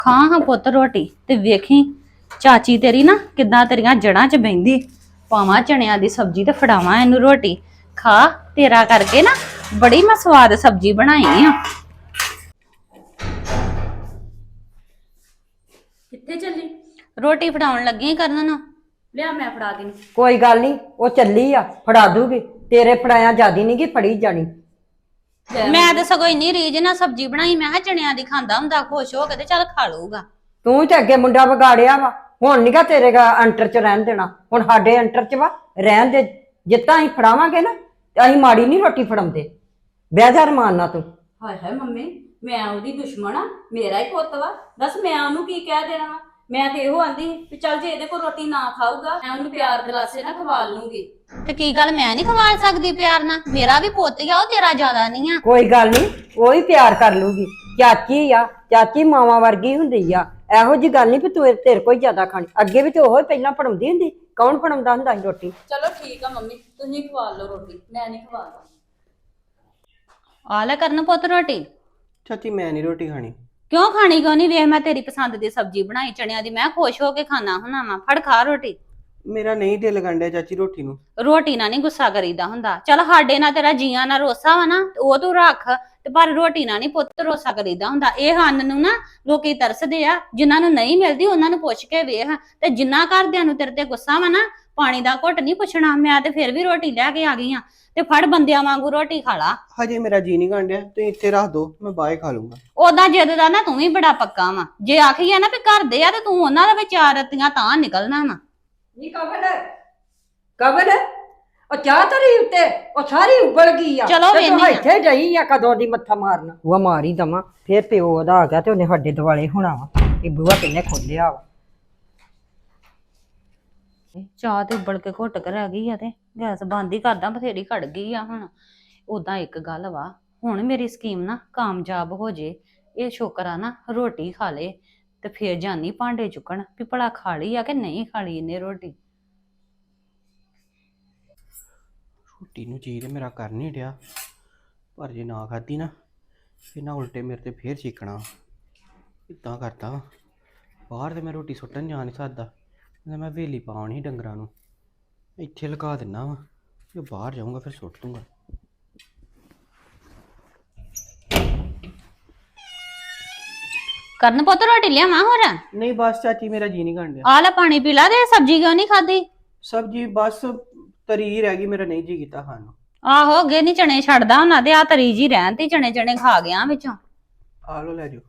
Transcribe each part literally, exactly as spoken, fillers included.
ਖਾ ਹਾਂ ਪੁੱਤ ਰੋਟੀ ਤੇ ਵੇਖੀ ਚਾਚੀ ਤੇਰੀ ਨਾ ਕਿੱਦਾਂ ਤੇਰੀਆਂ ਜੜਾਂ 'ਚ ਬਹਿੰਦੀ। ਪਾਵਾਂ ਚਣਿਆਂ ਦੀ ਸਬਜ਼ੀ ਤੇ ਫੜਾਵਾਂ ਇਹਨੂੰ ਰੋਟੀ। ਖਾ ਤੇਰਾ ਕਰਕੇ ਨਾ ਬੜੀ ਮੈਂ ਸਵਾਦ ਸਬਜ਼ੀ ਬਣਾਈ ਆ। ਕਿੱਥੇ ਚੱਲੀ? ਰੋਟੀ ਫੜਾਉਣ ਲੱਗੀ ਕਰਨ ਨੂੰ। ਲਿਆ ਮੈਂ ਫੜਾ ਦੇਣੀ। ਕੋਈ ਗੱਲ ਨਹੀਂ, ਉਹ ਚੱਲੀ ਆ ਫੜਾ ਦੂਗੀ। ਤੇਰੇ ਫੜਾਇਆ ਜਿਆਦੀ ਨਹੀਂ ਗੀ ਫੜੀ ਜਾਣੀ। ਮੈਂ ਤੇ ਸਗੋਂ ਇੰਨੀ ਰੀਝ ਨਾਲ ਸਬਜ਼ੀ ਬਣਾਈ, ਮੈਂ ਕਿਹਾ ਚਣਿਆਂ ਦੀ ਖਾਂਦਾ ਹੁੰਦਾ ਖੁਸ਼ ਹੋ ਕੇ ਤੇ ਚੱਲ ਖਾ ਲਊਗਾ। ਤੂੰ ਤੇ ਅੱਗੇ ਮੁੰਡਾ ਵਿਗਾੜਿਆ ਵਾ, ਹੁਣ ਨੀਗਾ ਤੇਰੇ ਗਾ ਅੰਟਰ ਚ ਰਹਿਣ ਦੇਣਾ। ਹੁਣ ਸਾਡੇ ਅੰਟਰ ਚ ਵਾ ਰਹਿਣ ਦੇ। ਜਿੱਤਾਂ ਅਸੀਂ ਫੜਾਵਾਂਗੇ ਨਾ ਤੇ ਅਸੀਂ ਮਾੜੀ ਨਹੀਂ ਰੋਟੀ ਫੜਾਉਂਦੇ। ਬਹਿ ਜਾ ਰਮਾਨ ਨਾਲ ਤੂੰ। ਹਾਏ ਹਾਏ ਮੰਮੀ, ਮੈਂ ਉਹਦੀ ਦੁਸ਼ਮਣ ਆ? ਮੇਰਾ ਹੀ ਪੁੱਤ ਵਾ, ਦੱਸ ਮੈਂ ਉਹਨੂੰ ਕੀ ਕਹਿ ਦੇਣਾ ਵਾ? ਮੈਂ ਤੇ ਇਹੋ ਆਂਦੀ ਵੀ ਚੱਲ ਜੇ ਇਹਦੇ ਕੋਲ ਰੋਟੀ ਨਾ ਖਾਊਗਾ ਮੈਂ ਉਹਨੂੰ ਪਿਆਰ ਦਿਲਾਸੇ ਨਾਲ ਖਵਾ ਲੂੰਗੀ। ਤੇ ਕੀ ਗੱਲ ਮੈਂ ਨਹੀਂ ਖਵਾ ਸਕਦੀ ਪਿਆਰ ਨਾਲ? ਮੇਰਾ ਵੀ ਪੁੱਤ ਆ, ਉਹ ਤੇਰਾ ਜ਼ਿਆਦਾ ਨਹੀਂ ਆ। ਕੋਈ ਗੱਲ ਨਹੀਂ, ਉਹ ਹੀ ਪਿਆਰ ਕਰ ਲੂਗੀ। ਚਾਚੀ ਆ, ਚਾਚੀ ਮਾਵਾਂ ਵਰਗੀ ਹੁੰਦੀ ਆ। ਇਹੋ ਜੀ ਗੱਲ ਨਹੀਂ ਵੀ ਤੂੰ ਤੇਰੇ ਕੋਈ ਜ਼ਿਆਦਾ ਖਾਣੀ। ਅੱਗੇ ਵੀ ਤੇ ਉਹ ਹੀ ਪਹਿਲਾਂ ਫੜਾਉਂਦੀ ਹੁੰਦੀ। ਕੌਣ ਫੜਾਉਂਦਾ ਹੁੰਦਾ ਸੀ ਰੋਟੀ? ਚਲੋ ਠੀਕ ਆ ਮੰਮੀ, ਤੁਸੀਂ ਖਵਾ ਲਓ ਰੋਟੀ, ਮੈਂ ਨਹੀਂ ਖਵਾਦਾ। ਆ ਲੈ ਕਰਨ ਪੁੱਤ ਰੋਟੀ। ਚਾਚੀ ਮੈਂ ਨਹੀਂ ਰੋਟੀ ਖਾਣੀ। ਕਿਉਂ ਖਾਣੀ ਕਿਉਂ ਨਹੀਂ? ਵੇਖ ਮੈਂ ਤੇਰੀ ਪਸੰਦ ਦੀ ਸਬਜ਼ੀ ਬਣਾਈ ਚਣਿਆਂ ਦੀ, ਮੈਂ ਖੁਸ਼ ਹੋ ਕੇ ਖਾਣਾ ਹੁਣਾ ਵਾ। ਫੜ ਖਾ ਰੋਟੀ। ਮੇਰਾ ਨਹੀਂ ਦਿਲ ਗੰਡਿਆ ਚਾਚੀ ਰੋਟੀ ਨੂੰ। ਰੋਟੀ ਨਾਲ ਨਹੀਂ ਗੁੱਸਾ ਕਰੀਦਾ ਹੁੰਦਾ। ਚੱਲ ਸਾਡੇ ਨਾਲ ਤੇਰਾ ਜੀਆਂ ਨਾਲ ਰੋਸਾ ਵਾ ਨਾ, ਉਹ ਤੂੰ ਰੱਖ ਤੇ ਪਰ ਰੋਟੀ ਨਾਲ ਨਹੀਂ ਪੁੱਤ ਰੋਸਾ ਕਰੀਦਾ ਹੁੰਦਾ। ਇਹ ਹਨ ਨੂੰ ਨਾ ਲੋਕੀ ਤਰਸਦੇ ਆ, ਜਿਨ੍ਹਾਂ ਨੂੰ ਨਹੀਂ ਮਿਲਦੀ ਉਹਨਾਂ ਨੂੰ ਪੁੱਛ ਕੇ ਵੇਖ। ਤੇ ਜਿੰਨਾ ਘਰਦਿਆਂ ਨੂੰ ਤੇਰੇ ਤੇ ਗੁੱਸਾ ਵਾ ਨਾ, ਪਾਣੀ ਦਾ ਘੁੱਟ ਨਹੀਂ ਪੁੱਛਣਾ। ਮੈਂ ਤੇ ਫਿਰ ਵੀ ਰੋਟੀ ਲੈ ਕੇ ਆ ਗਈ ਆ, ਤੇ ਫੜ ਬੰਦਿਆਂ ਵਾਂਗੂ ਰੋਟੀ ਖਾ ਲਾ। ਹਜੇ ਮੇਰਾ ਜੀ ਨਹੀਂ ਗੰਡਿਆ, ਤੁਸੀਂ ਇੱਥੇ ਰੱਖ ਦੋ, ਮੈਂ ਬਾਹਰ ਖਾ ਲੂੰਗਾ। ਉਦਾਂ ਜਿੱਦ ਦਾ ਨਾ ਤੂੰ ਵੀ ਬੜਾ ਪੱਕਾ ਵਾ। ਜੇ ਆਖੀਏ ਨਾ ਵੀ ਘਰ ਦੇ ਆ ਤੇ ਤੂੰ ਉਹਨਾਂ ਦੇ ਵਿਚਾਰ ਰਤੀਆਂ ਤਾਂ ਨਿਕਲਣਾ ਵਾ। ਨਹੀਂ ਕਬਲ ਕਬਲ ਉਹ ਚਾਹ ਤਰੀ ਉੱਤੇ ਉਹ ਸਾਰੀ ਉਬਲ ਗਈ ਆ। ਚਲੋ ਤੇ ਤੂੰ ਵੇਹਨੀ ਆ। ਇੱਥੇ ਜਾਈ ਆ ਕਦੋਂ ਦੀ ਮੱਥਾ ਮਾਰਨਾ। ਉਹ ਮਾਰੀ ਦਵਾਂ ਫੇਰ ਪਿਓ ਉਹਦਾ ਆ ਗਿਆ ਤੇ ਉਹਨੇ ਸਾਡੇ ਦਿਵਾਲੇ ਹੋਣਾ ਵਾ ਕਿ ਬੂਹਾ ਕਿੰਨੇ ਖੋਲਿਆ ਵਾ। ਚਾਹ ਤੇ ਉਬਲ ਕੇ ਘੁੱਟ ਕੇ ਰਹਿ ਗਈ ਆ ਤੇ ਗੈਸ ਬੰਦ ਹੀ ਕਰਦਾ, ਬਥੇਰੀ ਖੜ ਗਈ ਆ ਹੁਣ। ਉਦਾਂ ਇੱਕ ਗੱਲ ਵਾ, ਹੁਣ ਮੇਰੀ ਸਕੀਮ ਨਾ ਕਾਮਯਾਬ ਹੋ ਜੇ। ਇਹ ਸ਼ੁਕਰ ਆ ਨਾ ਰੋਟੀ ਖਾ ਲੇ ਤੇ ਫੇਰ ਜਾਨੀ ਭਾਂਡੇ ਚੁੱਕਣ ਵੀ ਭਲਾ ਖਾ ਲਈ ਆ ਕਿ ਨਹੀਂ ਖਾ ਲਈ ਇਹਨੇ ਰੋਟੀ। ਰੋਟੀ ਨੂੰ ਜੀ ਤੇ ਮੇਰਾ ਕਰ ਨਹੀਂ ਡਿਆ, ਪਰ ਜੇ ਨਾ ਖਾਧੀ ਨਾ ਫਿਰ ਨਾ ਉਲਟੇ ਮੇਰੇ ਤੇ ਫੇਰ ਚੀਕਣਾ। ਇਦਾਂ ਕਰਦਾ ਵਾ, ਬਾਹਰ ਤੇ ਮੈਂ ਰੋਟੀ ਸੁੱਟਣ ਜਾ ਨਹੀਂ ਸਕਦਾ। ਮੈਂ ਵੇਲੀ ਪਾਉਣੀ ਡੰਗਰਾਂ ਨੂੰ, ਇੱਥੇ ਲਗਾ ਦਿੰਦਾ ਵਾ। ਜੇ ਬਾਹਰ ਜਾਊਂਗਾ ਫਿਰ ਸੁੱਟ ਦੂੰਗਾ। ਕਰਨ ਪੁੱਤ ਰੋਟੀ ਲਿਆਵਾਂ ਹੋਰ? ਨਹੀਂ ਬਸ ਚਾਚੀ ਮੇਰਾ ਜੀ ਨਹੀਂ ਗੰਡਿਆ। ਆ ਲੈ ਪਾਣੀ ਪੀ ਲਾ। ਤੇ ਸਬਜ਼ੀ ਕਿਉਂ ਨਹੀਂ ਖਾਦੀ? ਸਬਜ਼ੀ ਬਸ ਤਰੀ ਰਹਿ ਗਈ, ਮੇਰਾ ਨਹੀਂ ਜੀ ਕੀਤਾ ਖਾਣ ਨੂੰ। ਆਹੋ ਅੱਗੇ ਨੀ ਚਣੇ ਛੱਡਦਾ ਉਹਨਾਂ ਦੇ, ਆ ਤਰੀ ਜੀ ਰਹਿਣ ਤੇ ਚਣੇ ਚਣੇ ਖਾ ਗਿਆ ਵਿੱਚੋਂ। ਆ ਲੋ ਲੈ ਜਾਓ।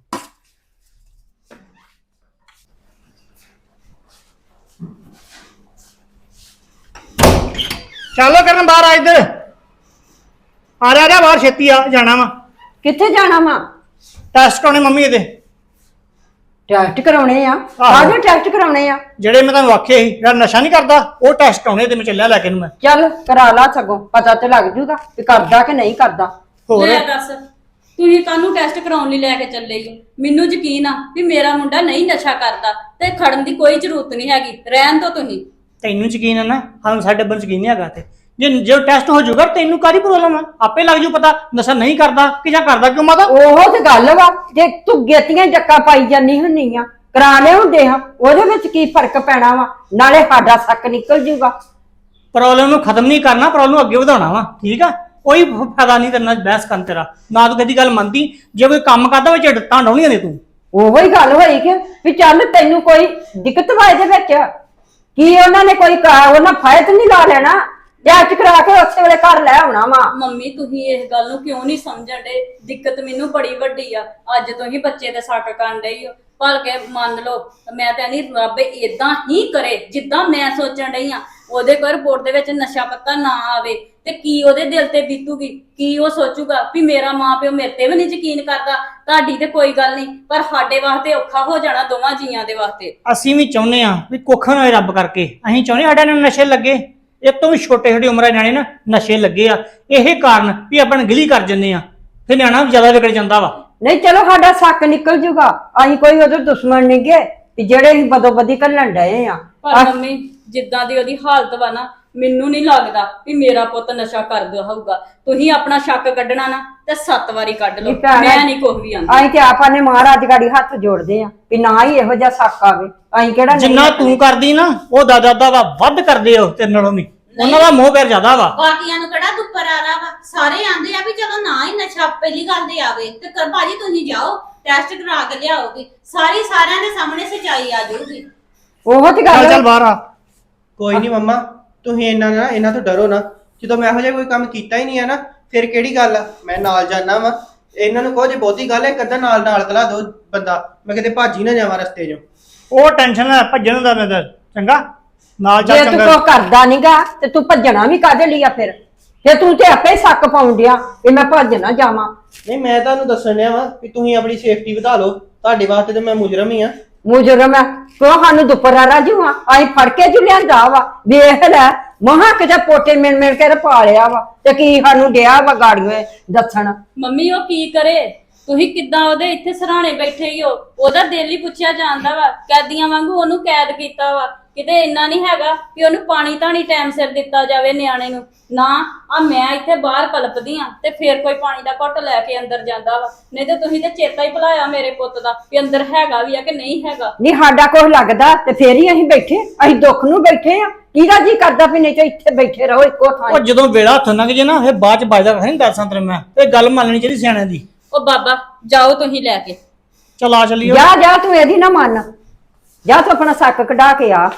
ਚੱਲ ਕਰਨ ਬਾਹਰ ਆ, ਇੱਧਰ ਆ ਰਿਹਾ। ਬਾਹਰ ਛੇਤੀ ਆ, ਜਾਣਾ ਵਾ ਕਿੱਥੇ ਜਾਣਾ ਵਾ? ਟੈਸਟ ਕਰਾਉਣੇ ਮੰਮੀ ਇਹਦੇ। ਟੈਸਟ ਕਰਾਉਣੇ ਆ? ਕਾਹਦੇ ਟੈਸਟ ਕਰਾਉਣੇ ਆ? ਜਿਹੜੇ ਮੈਂ ਤੁਹਾਨੂੰ ਆਖੇ ਸੀ ਜਿਹੜਾ ਨਸ਼ਾ ਨਹੀਂ ਕਰਦਾ ਉਹ ਟੈਸਟ ਕਰਾਉਣੇ ਤੇ ਮੈਂ ਚੱਲਿਆ ਲੈ ਕੇ ਨੂੰ। ਮੈਂ ਚੱਲ ਕਰਾ ਲਾ, ਸਗੋਂ ਪਤਾ ਤੇ ਲੱਗ ਜੂਗਾ ਵੀ ਕਰਦਾ ਕਿ ਨਹੀਂ ਕਰਦਾ। ਹੋਰ ਲੈ ਦੱਸ, ਤੁਸੀਂ ਕਾਹਨੂੰ ਟੈਸਟ ਕਰਾਉਣ ਲਈ ਲੈ ਕੇ ਚੱਲੇ ਹੋ? ਮੈਨੂੰ ਯਕੀਨ ਆ ਵੀ ਮੇਰਾ ਮੁੰਡਾ ਨਹੀਂ ਨਸ਼ਾ ਕਰਦਾ ਤੇ ਖੜਨ ਦੀ ਕੋਈ ਜ਼ਰੂਰਤ ਨਹੀਂ ਹੈਗੀ। ਰਹਿਣ ਦੋ ਤੁਸੀਂ। ਤੈਨੂੰ ਯਕੀਨ ਹੈ ਨਾ, ਸਾਨੂੰ ਸਾਡੇ ਬੰਦ ਯਕੀਨ ਨਹੀਂ ਹੈਗਾ। ਤੇ ਜੇ ਜੇ ਟੈਸਟ ਹੋ ਜਾਊਗਾ ਤੈਨੂੰ ਕਾਹਦੀ ਪ੍ਰੋਬਲਮ ਆ? ਆਪੇ ਲੱਗ ਜੂ ਪਤਾ ਨਸ਼ਾ ਨਹੀਂ ਕਰਦਾ ਕਿ ਜਾਂ ਕਰਦਾ ਕਿਉਂ। ਮਾਤਾ ਉਹੋ ਤੇ ਗੱਲ ਵਾ, ਜੇ ਤੂੰ ਗੇਤੀਆਂ ਡੱਕਾ ਪਾਈ ਜਾਨੀ ਹੁੰਨੀ ਆ, ਕਰਾ ਲਿਆ ਹੁੰਦੇ ਹਾਂ, ਉਹਦੇ ਵਿੱਚ ਕੀ ਫਰਕ ਪੈਣਾ ਵਾ? ਨਾਲੇ ਸਾਡਾ ਸੱਕ ਨਿਕਲ ਜੂਗਾ। ਪ੍ਰੋਬਲਮ ਨੂੰ ਖਤਮ ਨਹੀਂ ਕਰਨਾ, ਪ੍ਰੋਬਲਮ ਨੂੰ ਅੱਗੇ ਵਧਾਉਣਾ ਵਾ। ਠੀਕ ਆ, ਕੋਈ ਫਾਇਦਾ ਨਹੀਂ ਤੇਰੇ ਨਾਲ ਬਹਿਸ ਕਰਨ ਤੇਰਾ। ਨਾ ਤੂੰ ਕਦੀ ਗੱਲ ਮੰਨਦੀ। ਜੇ ਕੋਈ ਕੰਮ ਕਰਦਾ ਵਿੱਚ ਢੱਟਾਂ ਡਾਉਣੀਆਂ ਨੇ ਤੂੰ। ਉਹੋ ਹੀ ਗੱਲ ਹੋਈ ਕਿ ਵੀ ਚੱਲ ਤੈਨੂੰ ਕੋਈ ਦਿੱਕਤ ਵਾ ਇਹਦੇ ਵਿੱਚ? ਕੀ ਉਹਨਾਂ ਨੇ ਕੋਈ ਉਹਨਾਂ ਫਾਇਦ ਨਹੀਂ ਲਾ ਲੈਣਾ? ਟੈਸਟ ਕਰਾ ਕੇ ਉਸੇ ਵੇਲੇ ਘਰ ਲੈ ਆਉਣਾ ਵਾ। ਮੰਮੀ ਤੁਸੀਂ ਇਸ ਗੱਲ ਨੂੰ ਕਿਉਂ ਨਹੀਂ ਸਮਝਣ ਡੇ? ਦਿੱਕਤ ਮੈਨੂੰ ਬੜੀ ਵੱਡੀ ਆ। ਅੱਜ ਤੁਸੀਂ ਬੱਚੇ ਦੇ ਸੱਟ ਕਰਨ ਡਈ ਹੋ। ਭਲ ਕੇ ਮੰਨ ਲਓ, ਮੈਂ ਤਾਂ ਨਹੀਂ ਰੱਬ ਏਦਾਂ ਹੀ ਕਰੇ ਜਿੱਦਾਂ ਮੈਂ ਸੋਚਣ ਡਈ ਆ। ਉਹਦੇ ਕੋਲ ਰਿਪੋਰਟ ਦੇ ਵਿੱਚ ਨਸ਼ਾ ਪੱਤਾ ਨਾ ਆਵੇ ਤੇ ਕੀ ਉਹਦੇ ਦਿਲ ਤੇ ਬੀਤੂਗੀ? ਕੀ ਉਹ ਸੋਚੂਗਾ ਵੀ ਮੇਰਾ ਮਾਂ ਪਿਓ ਮੇਰੇ ਤੇ ਵੀ ਨਹੀਂ ਯਕੀਨ ਕਰਦਾ? ਤੁਹਾਡੀ ਤੇ ਕੋਈ ਗੱਲ ਨਹੀਂ, ਪਰ ਸਾਡੇ ਵਾਸਤੇ ਔਖਾ ਹੋ ਜਾਣਾ ਦੋਵਾਂ ਜੀਆਂ ਦੇ ਵਾਸਤੇ। ਅਸੀਂ ਵੀ ਚਾਹੁੰਦੇ ਆ ਵੀ ਕੁੱਖ ਨਾ ਹੋਏ ਰੱਬ ਕਰਕੇ। ਅਸੀਂ ਚਾਹੁੰਦੇ ਸਾਡੇ ਨੂੰ ਨਸ਼ੇ ਲੱਗੇ। ਇਹ ਤੋਂ ਵੀ ਛੋਟੇ ਛੋਟੀ ਉਮਰਾਂ ਦੇ ਨਿਆਣੇ ਨਾ ਨਸ਼ੇ ਲੱਗੇ ਆ। ਇਹ ਕਾਰਨ ਵੀ ਆਪਾਂ ਗਿਲੀ ਕਰ ਜੰਨੇ ਆ, ਫਿਰ ਨਿਆਣਾ ਜ਼ਿਆਦਾ ਵਿਗੜ ਜਾਂਦਾ ਵਾ। ਨਹੀਂ ਚਲੋ ਸਾਡਾ ਸੱਕ ਨਿਕਲ ਜੂਗਾ। ਅਸੀਂ ਕੋਈ ਉਹਦੇ ਦੁਸ਼ਮਣ ਨਹੀਂ ਗੇ ਜਿਹੜੇ ਅਸੀਂ ਬਦੋ ਬਦੀ ਘੱਲਣ ਡਏ ਆ। ਪਰ ਮੰਮੀ ਜਿੱਦਾਂ ਦੀ ਉਹਦੀ ਹਾਲਤ ਵਾ ਨਾ, ਮੈਨੂੰ ਨਹੀਂ ਲੱਗਦਾ ਵੀ ਮੇਰਾ ਪੁੱਤ ਨਸ਼ਾ ਕਰਦਾ ਹੋਊਗਾ। ਤੁਸੀਂ ਆਪਣਾ ਸ਼ੱਕ ਕੱਢਣਾ ਨਾ ਤੇ ਸੱਤ ਵਾਰੀ ਕੱਢ ਲਓ, ਨਹੀਂ ਭੈਣ, ਮੈਂ ਨਹੀਂ ਕੁਝ ਵੀ ਆਂਦੀ। ਅਸੀਂ ਤੇ ਆਪਾਂ ਨੇ ਮਹਾਰਾਜ ਗਾੜੀ ਹੱਥ ਜੋੜਦੇ ਆ ਵੀ ਨਾ ਹੀ ਇਹੋ ਜਿਹਾ ਸੱਕ ਆਵੇ। ਅਸੀਂ ਕਿਹੜਾ ਨਹੀਂ ਜਿੰਨਾ ਤੂੰ ਕਰਦੀ ਨਾ ਉਹ ਦਾਦਾ ਦਾਦਾ ਵੱਧ ਕਰਦੇ ਹੋ ਤੇਰੇ ਨਾਲੋਂ ਵੀ। ਉਹਨਾਂ ਦਾ ਮੋਹ ਪਿਆਰ ਜ਼ਿਆਦਾ ਵਾ। ਬਾਕੀਆਂ ਨੂੰ ਕਿਹੜਾ ਦੁੱਪਰ ਆ ਰਹਾ ਵਾ, ਸਾਰੇ ਆਂਦੇ ਆ ਵੀ ਚਲੋ ਨਾ ਹੀ ਨਸ਼ਾ ਪਹਿਲੀ ਗੱਲ ਤੇ ਆਵੇ ਤੇ ਕਰ ਭਾਜੀ ਤੁਸੀਂ ਜਾਓ ਟੈਸਟ ਕਰਾ ਕੇ ਲਿਆਓਗੇ, ਸਾਰੀ ਸਾਰਿਆਂ ਦੇ ਸਾਹਮਣੇ ਸਚਾਈ ਆ ਜਾਊਗੀ। ਉਹ ਤੇ ਚੱਲ ਗੱਲ ਚੱਲ ਬਾਹਰ ਆ। ਕੋਈ ਨਹੀਂ ਮੰਮਾ, ਤੁਸੀਂ ਇਹਨਾਂ ਨਾ ਇਹਨਾਂ ਤੋਂ ਡਰੋ ਨਾ। ਜਦੋਂ ਮੈਂ ਇਹੋ ਜਿਹਾ ਕੋਈ ਕੰਮ ਕੀਤਾ ਹੀ ਨਹੀਂ ਹੈ ਨਾ, ਫਿਰ ਕਿਹੜੀ ਗੱਲ ਆ, ਮੈਂ ਨਾਲ ਜਾਣਾ ਵਾ। ਇਹਨਾਂ ਨੂੰ ਕਹੋ ਜੇ ਬਹੁਤੀ ਗੱਲ ਹੈ ਇੱਕ ਅੱਧਾ ਨਾਲ ਨਾਲ ਕਲਾ ਦੋ ਬੰਦਾ, ਮੈਂ ਕਿਤੇ ਭਾਜੀ ਨਾ ਜਾਵਾਂ ਰਸਤੇ 'ਚੋਂ। ਉਹ ਟੈਨਸ਼ਨ ਨਾ ਭੱਜਣ ਦਾ ਮੈਂ ਤਾਂ ਚੰਗਾ ਨਾਲ ਜੇ ਚੱਲ ਤੂੰ ਚੰਗਾ। ਕੋ ਕਰਦਾ ਨਹੀਂਗਾ ਤੇ ਤੂੰ ਭੱਜਣਾ ਵੀ ਕਾਹਦੇ ਲਈ ਆ ਫਿਰ? ਜੇ ਤੂੰ ਤੇ ਆਪੇ ਸੱਕ ਪਾਉਂਦਿਆ ਕਿ ਮੈਂ ਭੱਜ ਨਾ ਜਾਵਾਂ। ਨਹੀਂ, ਮੈਂ ਤੁਹਾਨੂੰ ਦੱਸਣ ਡਿਆ ਵਾ ਕਿ ਤੁਸੀਂ ਆਪਣੀ ਸੇਫਟੀ ਵਧਾ ਲਓ। ਤੁਹਾਡੇ ਵਾਸਤੇ ਤੇ ਮੈਂ ਮੁਜਰਮ ਹੀ ਆ। ਮੁਜਰਮ ਹੈ ਕਿਉਂ? ਸਾਨੂੰ ਦੁਪਰਾ ਰਾਜੂ ਆ, ਅਸੀਂ ਫੜ ਕੇ ਜੂ ਲਿਆਂਦਾ ਵਾ। ਵੇਖ ਲੈ ਮਹਾ ਕਿਤੇ ਪੋਟੇ ਮਿਲ ਮਿਲ ਕੇ ਪਾ ਲਿਆ ਵਾ ਤੇ ਕੀ ਸਾਨੂੰ ਡਿਆ ਵਾ ਗਾੜੀਆਂ ਦੱਸਣ। ਮੰਮੀ ਉਹ ਕੀ ਕਰੇ? ਤੁਸੀਂ ਕਿੱਦਾਂ ਉਹਦੇ ਇੱਥੇ ਸਰਾਣੇ ਬੈਠੇ ਹੀ ਹੋ? ਉਹਦਾ ਦਿਲ ਹੀ ਪੁੱਛਿਆ ਜਾਂਦਾ ਵਾ, ਕੈਦੀਆਂ ਵਾਂਗੂ ਉਹਨੂੰ ਕੈਦ ਕੀਤਾ ਵਾ। ਕਿਤੇ ਇੰਨਾ ਨਹੀਂ ਹੈਗਾ ਕਿ ਉਹਨੂੰ ਪਾਣੀ ਧਾਣੀ ਟਾਈਮ ਸਿਰ ਦਿੱਤਾ ਜਾਵੇ ਨਿਆਣੇ ਨੂੰ। ਨਾ ਆ ਮੈਂ ਇੱਥੇ ਬਾਹਰ ਕਲਪਦੀ ਆ ਤੇ ਫੇਰ ਕੋਈ ਪਾਣੀ ਦਾ ਘੁੱਟ ਲੈ ਕੇ ਅੰਦਰ ਜਾਂਦਾ ਵਾ। ਨਹੀਂ ਤੇ ਤੁਸੀਂ ਤੇ ਚੇਤਾ ਹੀ ਭੁਲਾਇਆ ਮੇਰੇ ਪੁੱਤ ਦਾ ਵੀ ਅੰਦਰ ਹੈਗਾ ਵੀ ਆ ਕਿ ਨਹੀਂ ਹੈਗਾ। ਨਹੀਂ ਸਾਡਾ ਕੁਛ ਲੱਗਦਾ ਤੇ ਫੇਰ ਹੀ ਅਸੀਂ ਬੈਠੇ, ਅਸੀਂ ਦੁੱਖ ਨੂੰ ਬੈਠੇ ਆ। ਕਿਹਦਾ ਜੀ ਕਰਦਾ ਵੀ ਨਹੀਂ ਤੇ ਇੱਥੇ ਬੈਠੇ ਰਹੋ ਇੱਕੋ ਥਾਂ। ਉਹ ਜਦੋਂ ਵੇਲਾ ਹੱਥੋਂ ਲੰਘ ਜੇ ਨਾ ਫਿਰ ਬਾਅਦ ਚ ਵੱਜਦਾ ਨਹੀਂ ਦੱਸਾਂ ਤੇਰੇ ਮੈਂ ਇਹ ਗੱਲ ਮੰਨਣੀ ਚਾਹੀਦੀ ਸਿਆਣਿਆਂ ਦੀ। ਉਹ ਬਾਬਾ ਜਾਓ ਤੁਸੀਂ ਲੈ ਕੇ। ਚਲ ਆ ਚੱਲੀਏ। ਜਾ ਜਾ ਤੂੰ ਇਹਦੀ ਨਾ ਮੰਨ, ਜਾ ਤੂੰ ਆਪਣਾ ਸੱਕ ਕਢਾ ਕੇ ਆ।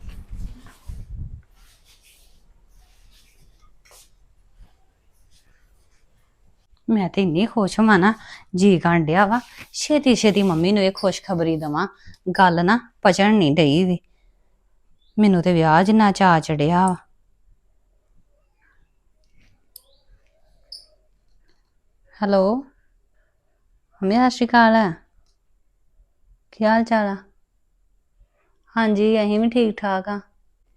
ਮੈਂ ਤੇ ਇੰਨੀ ਖੁਸ਼ ਹਾਂ ਨਾ, ਜੀ ਕਰਨ ਡਿਆ ਵਾ ਛੇਤੀ ਛੇਤੀ ਮੰਮੀ ਨੂੰ ਇਹ ਖੁਸ਼ਖਬਰੀ ਦਵਾਂ। ਗੱਲ ਨਾ ਪਚਣ ਨਹੀਂ ਡਈ ਵੀ, ਮੈਨੂੰ ਤੇ ਵਿਆਹ ਜਿੰਨਾ ਚਾਅ ਚੜਿਆ ਵਾ। ਹੈਲੋ ਮੰਮੀ, ਸਤਿ ਸ਼੍ਰੀ ਅਕਾਲ। ਕੀ ਹਾਲ ਚਾਲ ਆ? ਹਾਂਜੀ ਅਸੀਂ ਵੀ ਠੀਕ ਠਾਕ ਆ।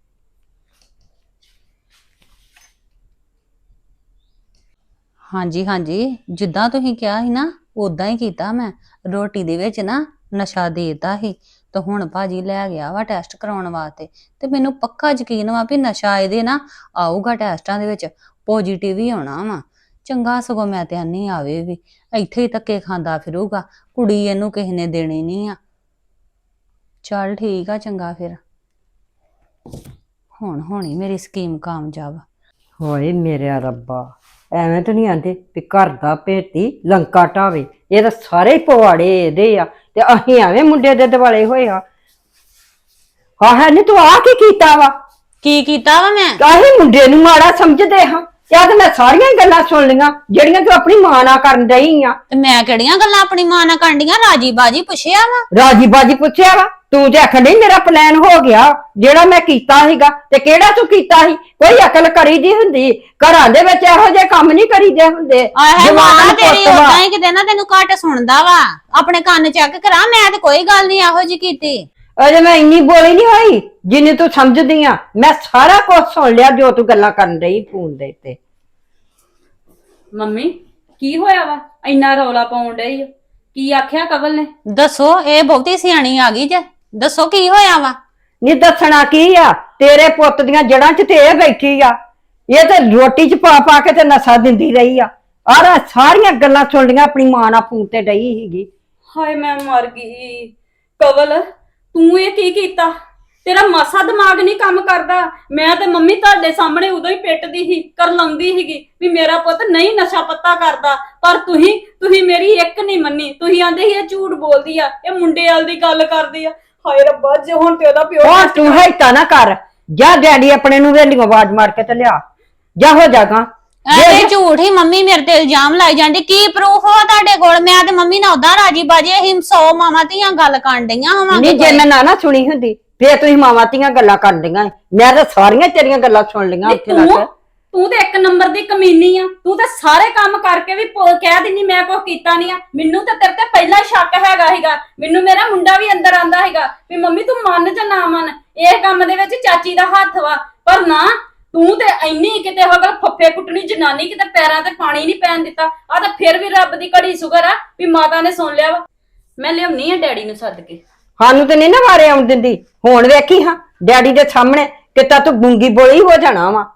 ਹਾਂਜੀ ਹਾਂਜੀ, ਜਿੱਦਾਂ ਤੁਸੀਂ ਕਿਹਾ ਸੀ ਨਾ ਉਦਾਂ ਹੀ ਕੀਤਾ ਮੈਂ। ਰੋਟੀ ਦੇ ਵਿੱਚ ਨਾ ਨਸ਼ਾ ਦੇਤਾ ਸੀ ਤੇ ਹੁਣ ਭਾਜੀ ਲੈ ਗਿਆ ਵਾ ਟੈਸਟ ਕਰਾਉਣ ਵਾਸਤੇ, ਤੇ ਮੈਨੂੰ ਪੱਕਾ ਯਕੀਨ ਵਾ ਵੀ ਨਸ਼ਾ ਇਹਦੇ ਨਾ ਆਊਗਾ ਟੈਸਟਾਂ ਦੇ ਵਿੱਚ ਪੋਜ਼ਿਟਿਵ ਹੀ ਆਉਣਾ ਵਾ। ਚੰਗਾ ਸਗੋਂ ਮੈਂ ਤੇ ਆਨੀ ਆਵੇ ਵੀ, ਇੱਥੇ ਹੀ ਧੱਕੇ ਖਾਂਦਾ ਫਿਰੂਗਾ, ਕੁੜੀ ਇਹਨੂੰ ਕਿਸੇ ਨੇ ਦੇਣੀ ਨਹੀਂ ਆ। ਚੱਲ ਠੀਕ ਆ, ਚੰਗਾ ਫਿਰ ਹੁਣ ਹੋਣੀ ਮੇਰੀ ਸਕੀਮ ਕਾਮਯਾਬ। ਹੋਏ ਮੇਰੇ ਰੱਬਾ, ਐਵੇਂ ਤਾਂ ਨਹੀਂ ਆਂਦੇ ਵੀ ਘਰ ਦਾ ਭੇਤੀ ਲੰਕਾ ਢਾਵੇ। ਇਹ ਤਾਂ ਸਾਰੇ ਹੀ ਪਵਾੜੇ ਇਹਦੇ ਆ ਤੇ ਅਸੀਂ ਐਵੇਂ ਮੁੰਡੇ ਦੇ ਦਿਵਾਲੇ ਹੋਏ ਆ। ਹਾਂ ਹੈ ਨਹੀਂ ਤੂੰ ਆ ਕੀ ਕੀਤਾ ਵਾ? ਕੀ ਕੀਤਾ ਵਾ ਮੈਂ? ਅਸੀਂ ਮੁੰਡੇ ਨੂੰ ਮਾੜਾ ਸਮਝਦੇ ਹਾਂ। ਯਾ ਤੇ ਮੈਂ ਸਾਰੀਆਂ ਹੀ ਗੱਲਾਂ ਸੁਣ ਲਈਆਂ ਜਿਹੜੀਆਂ ਤੂੰ ਆਪਣੀ ਮਾਂ ਨਾਲ ਕਰਨ ਡਈ ਆ। ਤੇ ਮੈਂ ਕਿਹੜੀਆਂ ਗੱਲਾਂ ਆਪਣੀ ਮਾਂ ਨਾਲ ਕਰਨੀਆਂ? ਰਾਜੀ ਬਾਜੀ ਪੁੱਛਿਆ ਵਾ। ਰਾਜੀ ਬਾਜੀ ਪੁੱਛਿਆ ਵਾ? ਤੂੰ ਤੇ ਆਖਣ ਡਈ ਮੇਰਾ ਪਲਾਨ ਹੋ ਗਿਆ ਜਿਹੜਾ ਮੈਂ ਕੀਤਾ ਸੀਗਾ। ਤੇ ਕਿਹੜਾ ਤੂੰ ਕੀਤਾ ਸੀ? ਕੋਈ ਅਕਲ ਕਰੀ ਦੀ ਹੁੰਦੀ? ਘਰਾਂ ਦੇ ਵਿੱਚ ਇਹੋ ਜਿਹੇ ਕੰਮ ਨਹੀਂ ਕਰੀਦੇ ਹੁੰਦੇ। ਆਹੇ ਜਵਾਨ ਮਾਂ ਤੇਰੀ ਪੁੱਤ ਵਾ। ਉਦਾਂ ਹੀ ਕਿਤੇ ਨਾ ਤੈਨੂੰ ਘੱਟ ਸੁਣਦਾ ਵਾ। ਆਪਣੇ ਕੰਨ ਚੈੱਕ ਕਰਾ, ਮੈਂ ਤੇ ਕੋਈ ਗੱਲ ਨਹੀਂ ਇਹੋ ਜੀ ਕੀਤੀ। ਅਜੇ ਮੈਂ ਇੰਨੀ ਬੋਲੀ ਨਹੀਂ ਹੋਈ ਜਿੰਨੀ ਤੂੰ ਸਮਝਦੀ ਆ। ਮੈਂ ਸਾਰਾ ਕੁਝ ਸੁਣ ਲਿਆ ਜੋ ਤੂੰ ਗੱਲਾਂ ਕਰਨ ਰਹੀ ਫੋਨ ਦੇ ਉੱਤੇ। ਮੰਮੀ ਕੀ ਹੋਇਆ ਵਾ? ਇੰਨਾ ਰੌਲਾ ਪਾਉਣ ਡਈ ਆ? ਕੀ ਆਖਿਆ ਕਵਲ ਨੇ? ਦੱਸੋ, ਇਹ ਬਹੁਤੀ ਸਿਆਣੀ ਆ ਗਈ ਜੇ। ਦੱਸੋ ਕੀ ਹੋਇਆ ਵਾ? ਨਹੀਂ ਦੱਸਣਾ ਕੀ ਆ? ਤੇਰੇ ਪੁੱਤ ਦੀਆਂ ਜੜਾਂ 'ਚ ਤੇ ਇਹ ਬੈਠੀ ਆ। ਇਹ ਤੇ ਰੋਟੀ 'ਚ ਪਾ ਪਾ ਕੇ ਤੇ ਨਸ਼ਾ ਦਿੰਦੀ ਰਹੀ ਆ। ਆਹ ਸਾਰੀਆਂ ਗੱਲਾਂ ਸੁਣ ਲੀਆਂ ਆਪਣੀ ਮਾਂ ਨਾਲ ਫੋਨ ਤੇ ਡਈ ਸੀਗੀ। ਹਾਏ ਮੈਂ ਮਰ ਗਈ। ਕਵਲ ਤੂੰ ਇਹ ਕੀ ਕੀਤਾ? ਤੇਰਾ ਮਾਸਾ ਦਿਮਾਗ ਨਹੀਂ ਕੰਮ ਕਰਦਾ? ਮੈਂ ਤੇ ਮੰਮੀ ਤੁਹਾਡੇ ਸਾਹਮਣੇ ਉਦੋਂ ਹੀ ਪਿੱਟਦੀ ਸੀ, ਕਰ ਲਾਉਂਦੀ ਸੀਗੀ ਵੀ ਮੇਰਾ ਪੁੱਤ ਨਹੀਂ ਨਸ਼ਾ ਪੱਤਾ ਕਰਦਾ, ਪਰ ਤੁਸੀਂ ਤੁਸੀਂ ਮੇਰੀ ਇੱਕ ਨਹੀਂ ਮੰਨੀ। ਤੁਸੀਂ ਆਂਦੇ ਸੀ ਇਹ ਝੂਠ ਬੋਲਦੀ ਆ, ਇਹ ਮੁੰਡੇ ਵਾਲ ਦੀ ਗੱਲ ਕਰਦੀ ਆ। ਹਾਏ ਰੱਬਾ, ਜੇ ਹੁਣ ਤੇ ਉਹਦਾ ਪਿਓ ਉਹ ਤੂੰ ਹੈਤਾ ਨਾ ਕਰ। ਜਾ ਡੈਡੀ ਆਪਣੇ ਨੂੰ ਵੇਲੀਓ ਆਵਾਜ਼ ਮਾਰ ਕੇ ਤੇ ਲਿਆ। ਜਾ ਹੋ ਜਾਗਾ। ਇਹ ਝੂਠ ਹੀ ਮੰਮੀ ਮੇਰੇ ਤੇ ਇਲਜ਼ਾਮ ਲਾਈ ਜਾਂਦੀ। ਕੀ ਪ੍ਰੂਫ ਹੋ ਤੁਹਾਡੇ ਕੋਲ? ਮੈਂ ਤੇ ਮੰਮੀ ਨਾਲ ਉਦਾਂ ਰਾਜੀ ਬਾਜੀ ਅਸੀਂ ਸੌ ਮਾਵਾਂ ਧੀਆਂ ਗੱਲ ਕਰਨ ਡਈਆਂ ਹੋਵਾਂਗੇ। ਨਹੀਂ ਜੇ ਮੈਂ ਨਾ ਨਾ ਸੁਣੀ ਹੁੰਦੀ ਫੇਰ ਤੁਸੀਂ ਮਾਵਾਂ ਧੀਆਂ ਗੱਲਾਂ ਕਰਦੀਆਂ। ਮੈਂ ਤਾਂ ਸਾਰੀਆਂ ਤੇਰੀਆਂ ਗੱਲਾਂ ਸੁਣ ਲਈਆਂ ਉੱਥੇ ਤੂੰ ਲੱਗ। ਤੂੰ ਤੇ ਇੱਕ ਨੰਬਰ ਦੀ ਕਮੀਨੀ ਆ। ਤੂੰ ਤੇ ਸਾਰੇ ਕੰਮ ਕਰਕੇ ਵੀ ਪ- ਕਹਿ ਦਿੰਨੀ ਮੈਂ ਕੁਝ ਕੀਤਾ ਨਹੀਂ ਆ। ਮੈਨੂੰ ਤਾਂ ਤੇਰੇ ਤੇ ਪਹਿਲਾਂ ਹੀ ਸ਼ੱਕ ਹੈਗਾ ਸੀਗਾ। ਮੈਨੂੰ ਮੇਰਾ ਮੁੰਡਾ ਵੀ ਅੰਦਰ ਆਂਦਾ ਹੈਗਾ ਵੀ ਮੰਮੀ ਤੂੰ ਮੰਨ ਜਾਂ ਨਾ ਮੰਨ, ਇਹ ਕੰਮ ਦੇ ਵਿੱਚ ਚਾਚੀ ਦਾ ਹੱਥ ਵਾ। ਪਰ ਨਾ, ਤੂੰ ਤੇ ਇੰਨੀ ਕਿਤੇ ਹੋਗਲ ਫੱਫੇ ਕੁੱਟਣੀ ਜਨਾਨੀ, ਕਿਤੇ ਪੈਰਾਂ ਤੇ ਪਾਣੀ ਨਹੀਂ ਪੈਣ ਦਿੱਤਾ। ਆ ਤਾਂ ਫਿਰ ਵੀ ਰੱਬ ਦੀ ਘੜੀ ਸ਼ੁਕਰ ਆ ਵੀ ਮਾਤਾ ਨੇ ਸੁਣ ਲਿਆ ਵਾ। ਮੈਂ ਲਿਆਉਣੀ ਆ ਡੈਡੀ ਨੂੰ ਸੱਦ ਕੇ। ਸਾਨੂੰ ਤੇ ਨਹੀਂ ਨਾ ਵਾਰੇ ਆਉਣ ਦਿੰਦੀ। ਹੁਣ ਵੇਖੀ ਹਾਂ ਡੈਡੀ ਦੇ ਸਾਹਮਣੇ ਕਿਤਾ ਤੂੰ ਗੁੰਗੀ ਬੋਲੀ ਹੋ ਜਾਣਾ ਵਾ।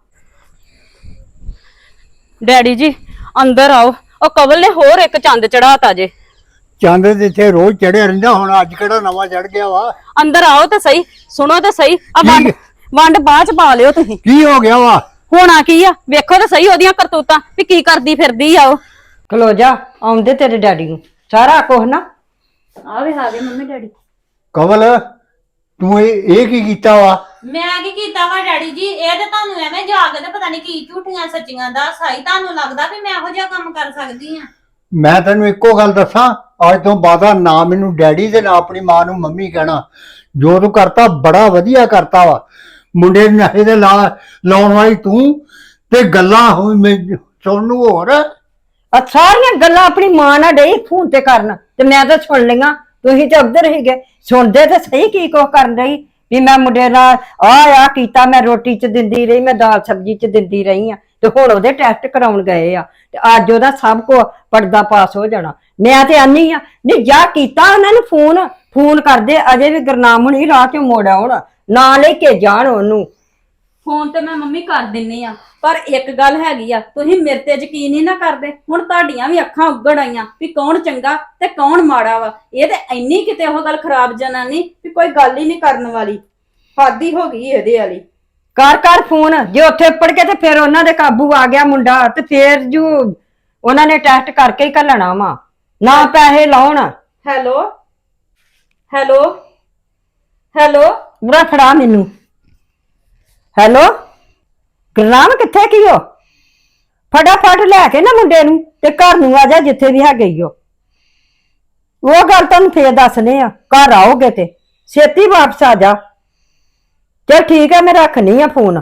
ਡੈਡੀ ਜੀ ਅੰਦਰ ਆਓ, ਉਹ ਕਵਲ ਨੇ ਹੋਰ ਇੱਕ ਚੰਦ ਚੜਾਤਾ ਜੇ। ਚੰਦ ਤੇ ਇੱਥੇ ਰੋਜ਼ ਚੜਿਆ ਰਹਿੰਦਾ, ਹੁਣ ਅੱਜ ਕਿਹੜਾ ਨਵਾਂ ਚੜ ਗਿਆ ਵਾ? ਅੰਦਰ ਆਓ ਤੇ ਸਹੀ, ਸੁਣੋ ਤੇ ਸਹੀ। ਆ ਵੰਡ ਵੰਡ ਬਾਅਦ ਚ ਪਾ ਲਿਓ ਤੁਸੀਂ। ਕੀ ਹੋ ਗਿਆ ਵਾ? ਹੋਣਾ ਕੀ ਆ, ਵੇਖੋ ਤੇ ਸਹੀ ਉਹਦੀਆਂ ਕਰਤੂਤਾਂ ਵੀ ਕੀ ਕਰਦੀ ਫਿਰਦੀ ਆ ਉਹ। ਖਲੋ ਜਾ, ਆਉਂਦੇ ਤੇਰੇ ਡੈਡੀ ਨੂੰ ਸਾਰਾ ਕੁਝ ਨਾ। ਆਵੇ ਆ ਗਏ ਮੰਮੀ ਡੈਡੀ। ਕਮਲ ਤੂੰ ਇਹ ਇਹ ਕੀ ਕੀਤਾ ਵਾ? ਮੈਂ ਕੀ ਕੀਤਾ ਵਾ ਡੈਡੀ ਜੀ? ਇਹ ਤੇ ਤੁਹਾਨੂੰ ਐਵੇਂ ਜਾ ਕੇ ਤੇ ਪਤਾ ਨਹੀਂ ਕੀ ਝੂਠੀਆਂ ਸੱਚੀਆਂ ਦਾ ਸਾਈ ਤੁਹਾਨੂੰ ਲੱਗਦਾ ਵੀ ਮੈਂ ਇਹੋ ਜਿਹਾ ਕੰਮ ਕਰ ਸਕਦੀ ਆ? ਮੈਂ ਤੈਨੂੰ ਇੱਕੋ ਗੱਲ ਦੱਸਾਂ, ਅੱਜ ਤੋਂ ਬਾਅਦ ਨਾ ਮੈਨੂੰ ਡੈਡੀ ਤੇ ਨਾ ਆਪਣੀ ਮਾਂ ਨੂੰ ਮੰਮੀ ਕਹਿਣਾ। ਜੋ ਤੂੰ ਕਰਤਾ ਬੜਾ ਵਧੀਆ ਕਰਤਾ ਵਾ। ਮੁੰਡੇ ਨੂੰ ਨਸ਼ੇ ਦੇ ਲਾ ਲਾਉਣ ਵਾਲੀ ਤੂੰ ਤੇ ਗੱਲਾਂ ਹੁਣ ਮੈਂ ਸੁਣਨ ਨੂੰ ਹੋਰ। ਆ ਸਾਰੀਆਂ ਗੱਲਾਂ ਆਪਣੀ ਮਾਂ ਨਾਲ ਡੇ ਫੋਨ ਤੇ ਕਰਨ ਤੇ ਮੈਂ ਤਾਂ ਸੁਣ ਲਈਆਂ। ਤੁਸੀਂ ਤੇ ਉੱਧਰ ਹੀ ਗਏ, ਸੁਣਦੇ ਤੇ ਸਹੀ ਕੀ ਕੁਛ ਕਰਨ ਰਹੀ ਵੀ ਮੈਂ ਮੁੰਡੇ ਨਾਲ ਆ ਆ ਕੀਤਾ, ਮੈਂ ਰੋਟੀ ਚ ਦਿੰਦੀ ਰਹੀ, ਮੈਂ ਦਾਲ ਸਬਜ਼ੀ ਚ ਦਿੰਦੀ ਰਹੀ ਆ, ਤੇ ਹੁਣ ਉਹਦੇ ਟੈਸਟ ਕਰਾਉਣ ਗਏ ਆ ਤੇ ਅੱਜ ਉਹਦਾ ਸਭ ਕੋ ਪਰਦਾ ਪਾਸ ਹੋ ਜਾਣਾ। ਮੈਂ ਤੇ ਆਨੀ ਆ ਨਹੀਂ ਜਾ ਕੀਤਾ ਉਹਨਾਂ ਨੂੰ ਫੋਨ ਫੋਨ ਕਰਦੇ, ਅਜੇ ਵੀ ਗੁਰਨਾਮ ਹੁਣੀ ਰਾਹ ਚੋਂ ਮੋੜ ਆਉਣ, ਨਾ ਲੈ ਕੇ ਜਾਣ ਉਹਨੂੰ। ਫੋਨ ਤੇ ਮੈਂ ਮੰਮੀ ਕਰ ਦਿੰਨੀ ਆ, ਪਰ ਇੱਕ ਗੱਲ ਹੈਗੀ ਆ, ਤੁਸੀਂ ਮੇਰੇ ਤੇ ਯਕੀਨ ਹੀ ਨਾ ਕਰਦੇ। ਹੁਣ ਤੁਹਾਡੀਆਂ ਵੀ ਅੱਖਾਂ ਉੱਗੜ ਆਈਆਂ ਵੀ ਕੌਣ ਚੰਗਾ ਤੇ ਕੌਣ ਮਾੜਾ ਵਾ। ਇਹ ਤੇ ਇੰਨੀ ਕਿਤੇ ਉਹ ਗੱਲ ਖਰਾਬ ਜਨਾਨੀ ਵੀ ਕੋਈ ਗੱਲ ਹੀ ਨਹੀਂ ਕਰਨ ਵਾਲੀ। ਹੱਦ ਹੀ ਹੋ ਗਈ ਇਹਦੇ ਵਾਲੀ। ਕਰ ਕਰ ਫੋਨ, ਜੇ ਉੱਥੇ ਪੜ ਕੇ ਤੇ ਫਿਰ ਉਹਨਾਂ ਦੇ ਕਾਬੂ ਆ ਗਿਆ ਮੁੰਡਾ ਤੇ ਫਿਰ ਜੂ ਉਹਨਾਂ ਨੇ ਟੈਸਟ ਕਰਕੇ ਹੀ ਘੱਲਣਾ ਵਾ, ਨਾ ਪੈਸੇ ਲਾਉਣ। ਹੈਲੋ ਹੈਲੋ ਹੈਲੋ ਬੁਰਾ ਫੜਾ ਮੈਨੂੰ। ਹੈਲੋ ਗੁਰਨਾਮ ਕਿੱਥੇ ਕੀ ਹੋ? ਫਟਾਫਟ ਲੈ ਕੇ ਨਾ ਮੁੰਡੇ ਨੂੰ ਤੇ ਘਰ ਨੂੰ ਆ ਜਾ ਜਿੱਥੇ ਵੀ ਹੈਗੇ ਈ ਹੋ। ਉਹ ਗੱਲ ਤੁਹਾਨੂੰ ਫੇਰ ਦੱਸਨੇ ਆ, ਘਰ ਆਓਗੇ ਤੇ ਛੇਤੀ ਵਾਪਸ ਆ ਜਾ। ਚਲ ਠੀਕ ਹੈ, ਮੈਂ ਰੱਖਨੀ ਆ ਫੋਨ।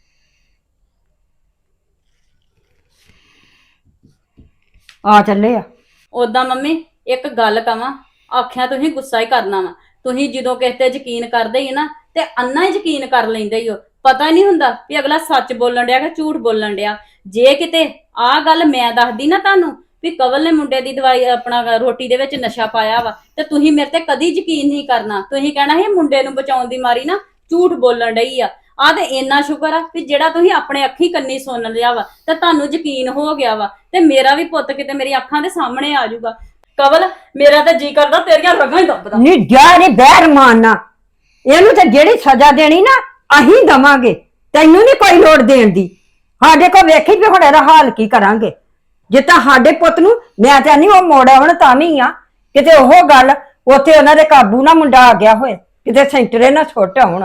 ਆ ਚੱਲੇ ਆ। ਉਦਾਂ ਮੰਮੀ ਇੱਕ ਗੱਲ ਕਵਾਂ, ਆਖਿਆ ਤੁਸੀਂ ਗੁੱਸਾ ਹੀ ਕਰਨਾ ਵਾ। ਤੁਸੀਂ ਜਦੋਂ ਕਿਸੇ ਤੇ ਯਕੀਨ ਕਰਦੇ ਹੀ ਨਾ ਤੇ ਅੰਨਾ ਹੀ ਯਕੀਨ ਕਰ ਲੈਂਦੇ ਹੀ ਹੋ। ਪਤਾ ਹੀ ਨਹੀਂ ਹੁੰਦਾ ਵੀ ਅਗਲਾ ਸੱਚ ਬੋਲਣ ਡਿਆ ਕਿ ਝੂਠ ਬੋਲਣ ਡਿਆ। ਜੇ ਕਿਤੇ ਆਹ ਗੱਲ ਮੈਂ ਦੱਸਦੀ ਨਾ ਤੁਹਾਨੂੰ ਵੀ ਕਵਲ ਨੇ ਮੁੰਡੇ ਦੀ ਦਵਾਈ ਆਪਣਾ ਰੋਟੀ ਦੇ ਵਿੱਚ ਨਸ਼ਾ ਪਾਇਆ ਵਾ, ਤੇ ਤੁਸੀਂ ਮੇਰੇ ਤੇ ਕਦੀ ਯਕੀਨ ਨਹੀਂ ਕਰਨਾ। ਤੁਸੀਂ ਕਹਿਣਾ ਸੀ ਮੁੰਡੇ ਨੂੰ ਬਚਾਉਣ ਦੀ ਮਾਰੀ ਨਾ ਝੂਠ ਬੋਲਣ ਡਈ ਆ। ਆ ਤੇ ਇੰਨਾ ਸ਼ੁਕਰ ਆ ਵੀ ਜਿਹੜਾ ਤੁਸੀਂ ਆਪਣੇ ਅੱਖੀ ਕੰਨੀ ਸੁਣ ਲਿਆ ਵਾ ਤੇ ਤੁਹਾਨੂੰ ਯਕੀਨ ਹੋ ਗਿਆ ਵਾ, ਤੇ ਮੇਰਾ ਵੀ ਪੁੱਤ ਕਿਤੇ ਮੇਰੀ ਅੱਖਾਂ ਦੇ ਸਾਹਮਣੇ ਆ ਜਾਊਗਾ। ਕਵਲ ਮੇਰਾ ਤਾਂ ਜੀ ਕਰਦਾ ਤੇਰੀਆਂ ਰਗਾਂ ਹੀ ਦੱਬਦਾ। ਨਹੀਂ ਜਾ ਨਹੀਂ ਬਹਿਰ ਮਾਰਨਾ ਇਹਨੂੰ, ਤੇ ਜਿਹੜੀ ਸਜ਼ਾ ਦੇਣੀ ਨਾ ਅਸੀਂ ਦਵਾਂਗੇ, ਤੈਨੂੰ ਨਹੀਂ ਕੋਈ ਲੋੜ ਦੇਣ ਦੀ। ਸਾਡੇ ਕੋਲ ਵੇਖੀ ਵੀ ਹੁਣ ਇਹਦਾ ਹਾਲ ਕੀ ਕਰਾਂਗੇ। ਜੇ ਤਾਂ ਸਾਡੇ ਪੁੱਤ ਨੂੰ ਮੈਂ ਤਾਂ ਨਹੀਂ ਉਹ ਮੋੜਾ ਹੁਣ ਤਾਂ ਵੀ ਆ ਕਿਤੇ ਉਹ ਗੱਲ ਉੱਥੇ ਉਹਨਾਂ ਦੇ ਕਾਬੂ ਨਾ ਮੁੰਡਾ ਆ ਗਿਆ ਹੋਏ, ਕਿਤੇ ਸੈਂਟਰੇ ਨਾ ਛੁੱਟ ਆਉਣ।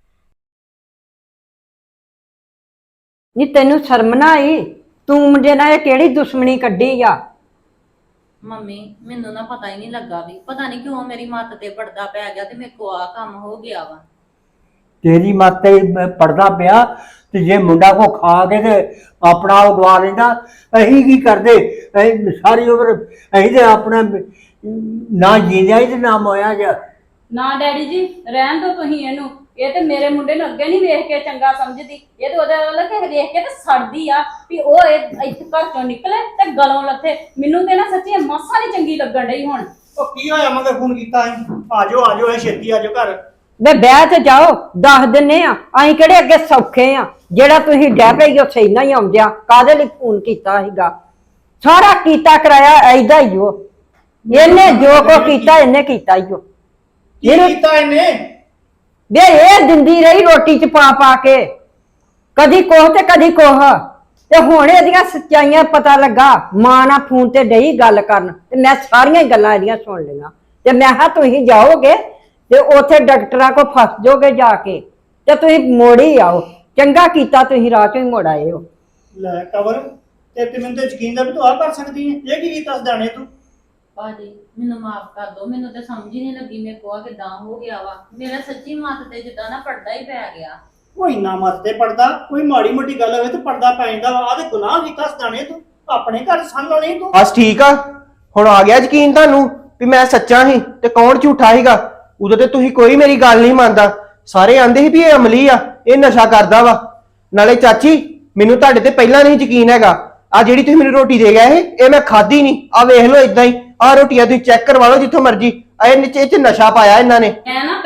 ਨਹੀਂ ਤੈਨੂੰ ਸ਼ਰਮ ਨਾ ਆਈ? ਤੂੰ ਮੁੰਡੇ ਨਾਲ ਇਹ ਕਿਹੜੀ ਦੁਸ਼ਮਣੀ ਕੱਢੀ ਆ? ਮੰਮੀ ਮੈਨੂੰ ਨਾ ਪਤਾ ਹੀ ਨਹੀਂ ਲੱਗਾ ਵੀ ਪਤਾ ਨਹੀਂ ਕਿਉਂ ਮੇਰੀ ਮੱਤ ਤੇ ਪਰਦਾ ਪੈ ਗਿਆ ਤੇ ਮੇਰੇ ਕੋ ਆ ਕੰਮ ਹੋ ਗਿਆ ਵਾ। ਤੇਰੀ ਮੱਤ ਤੇ ਪੜਦਾ ਪਿਆ ਤੇ ਜੇ ਮੁੰਡਾ ਕੋ ਖਾ ਕੇ ਤੇ ਆਪਣਾ ਉਹ ਗਵਾ ਲੈਂਦਾ, ਅਸੀਂ ਕੀ ਕਰਦੇ? ਅਸੀਂ ਸਾਰੀ ਉਮਰ ਅਸੀਂ ਤੇ ਆਪਣਾ ਨਾ ਜੀਂਦਿਆ ਹੀ ਤੇ ਨਾ ਮੋਇਆ ਜਾ। ਨਾ ਡੈਡੀ ਜੀ ਰਹਿਣ ਦੋ ਤੁਸੀਂ ਇਹਨੂੰ। ਇਹ ਤੇ ਮੇਰੇ ਮੁੰਡੇ ਨੂੰ ਅੱਗੇ ਨਹੀਂ ਵੇਖ ਕੇ ਚੰਗਾ ਸਮਝਦੀ। ਇਹ ਤੇ ਉਹਦੇ ਵੱਲ ਕੇ ਵੇਖ ਕੇ ਤੇ ਸੜਦੀ ਆ ਵੀ ਉਹ ਇਹ ਇੱਥੇ ਘਰ ਚੋਂ ਨਿਕਲੇ ਤੇ ਗਲੋਂ ਲੱਥੇ। ਮੈਨੂੰ ਤੇ ਨਾ ਸੱਚੀ ਮਾਸਾ ਨਹੀਂ ਚੰਗੀ ਲੱਗਣ ਡਈ ਹੁਣ। ਉਹ ਕੀ ਹੋਇਆ ਮਗਰ ਫੋਨ ਕੀਤਾ ਸੀ? ਆਜੋ ਆਜੋ ਇਹ ਛੇਤੀ ਆਜੋ ਘਰ। ਵੇ ਬਹਿ ਤੇ ਜਾਓ, ਦੱਸ ਦਿੰਨੇ ਆ ਅਸੀਂ ਕਿਹੜੇ ਅੱਗੇ ਸੌਖੇ ਆ। ਜਿਹੜਾ ਤੁਸੀਂ ਡੈ ਪਈ ਉੱਥੇ ਇੰਨਾ ਹੀ ਆਉਂਦਿਆ ਕਾਹਦੇ ਲਈ ਫੋਨ ਕੀਤਾ ਸੀਗਾ? ਸਾਰਾ ਕੀਤਾ ਕਰਾਇਆ ਐਦਾ ਹੀ ਉਹ। ਇਹਨੇ ਜੋ ਕੋ ਕੀਤਾ ਇਹਨੇ ਕੀਤਾ ਹੀ ਉਹ। ਕੀ ਕੀਤਾ ਇਹਨੇ? ਵੇ ਇਹ ਦਿੰਦੀ ਰਹੀ ਰੋਟੀ ਚ ਪਾ ਪਾ ਕੇ, ਕਦੀ ਕੋਹ ਤੇ ਕਦੀ ਕੋਹ, ਤੇ ਹੁਣ ਇਹਦੀਆਂ ਸੱਚਾਈਆਂ ਪਤਾ ਲੱਗਾ। ਮਾਂ ਨਾਲ ਫੋਨ ਤੇ ਡਈ ਗੱਲ ਕਰਨ ਤੇ ਮੈਂ ਸਾਰੀਆਂ ਹੀ ਗੱਲਾਂ ਇਹਦੀਆਂ ਸੁਣ ਲਈਆਂ। ਤੇ ਮੈਂ ਕਿਹਾ ਤੁਸੀਂ ਜਾਓਗੇ ਤੇ ਉੱਥੇ ਡਾਕਟਰਾਂ ਕੋ ਫਸ ਜਾਓਗੇ ਜਾ ਕੇ, ਤੇ ਤੁਸੀਂ ਮੋੜੀ ਆਓ। ਚੰਗਾ ਕੀਤਾ ਤੁਸੀਂ ਰਾਹ ਚੋਂ ਹੀ ਮੋੜ ਆਏ ਹੋ। ਲੈ ਕਵਰ ਤੇ ਤੇ ਮੈਨੂੰ ਤੇ ਯਕੀਨ ਦਾ ਵੀ ਤੂੰ ਆ ਕਰ ਸਕਦੀ ਹੈ। ਇਹ ਕੀ ਕੀਤਾ ਸਦਾਣੇ ਤੂੰ? ਭਾਜੀ ਮੈਨੂੰ ਮਾਫ ਕਰ ਦਿਓ, ਮੈਨੂੰ ਤੇ ਸਮਝ ਹੀ ਨਹੀਂ ਲੱਗੀ ਮੇਰੇ ਕੋ ਆ ਕਿਦਾਂ ਹੋ ਗਿਆ ਵਾ। ਮੇਰਾ ਸੱਚੀ ਮੱਤ ਤੇ ਜਿੱਦਾਂ ਨਾ ਪਰਦਾ ਹੀ ਪੈ ਗਿਆ। ਕੋਈ ਨਾ ਮਰਦੇ ਪੜਦਾ, ਕੋਈ ਮਾੜੀ ਮੋਟੀ ਗੱਲ ਹੋਵੇ ਤੇ ਪਰਦਾ ਪੈ ਜਾਂਦਾ ਵਾ। ਆ ਤੇ ਗੁਨਾਹ ਕੀਤਾ ਸਦਾਣੇ ਤੂੰ, ਆਪਣੇ ਘਰ ਸੰਨ ਲਾਉਣੀ ਤੂੰ। ਬਸ ਠੀਕ ਆ, ਹੁਣ ਆ ਗਿਆ ਯਕੀਨ ਤੁਹਾਨੂੰ ਵੀ ਮੈਂ ਸੱਚਾ ਸੀ ਤੇ ਕੌਣ ਝੂਠਾ ਸੀਗਾ। ਉਦੋਂ ਤੇ ਤੁਸੀਂ ਕੋਈ ਮੇਰੀ ਗੱਲ ਨਹੀਂ ਮੰਨਦਾ। ਸਾਰੇ ਆਂਦੇ ਸੀ ਵੀ ਇਹ ਅਮਲੀ ਆ, ਇਹ ਨਸ਼ਾ ਕਰਦਾ ਵਾ। ਨਾਲੇ ਚਾਚੀ ਮੈਨੂੰ ਤੁਹਾਡੇ ਤੇ ਪਹਿਲਾਂ ਨਹੀਂ ਯਕੀਨ ਹੈਗਾ। ਆ ਜਿਹੜੀ ਤੁਸੀਂ ਮੈਨੂੰ ਰੋਟੀ ਦੇ ਗਏ ਇਹ ਇਹ ਮੈਂ ਖਾਧੀ ਨਹੀਂ। ਆ ਵੇਖ ਲਓ ਇਦਾਂ ਹੀ, ਆ ਰੋਟੀਆਂ ਤੁਸੀਂ ਚੈੱਕ ਕਰਵਾ ਲਓ ਜਿੱਥੋਂ ਮਰਜੀ। ਇਹ ਨੀਚੇ ਚ ਨਸ਼ਾ ਪਾਇਆ ਇਹਨਾਂ ਨੇ। ਮੈਂ ਨਾ ਪਹਿਲਾਂ ਹੀ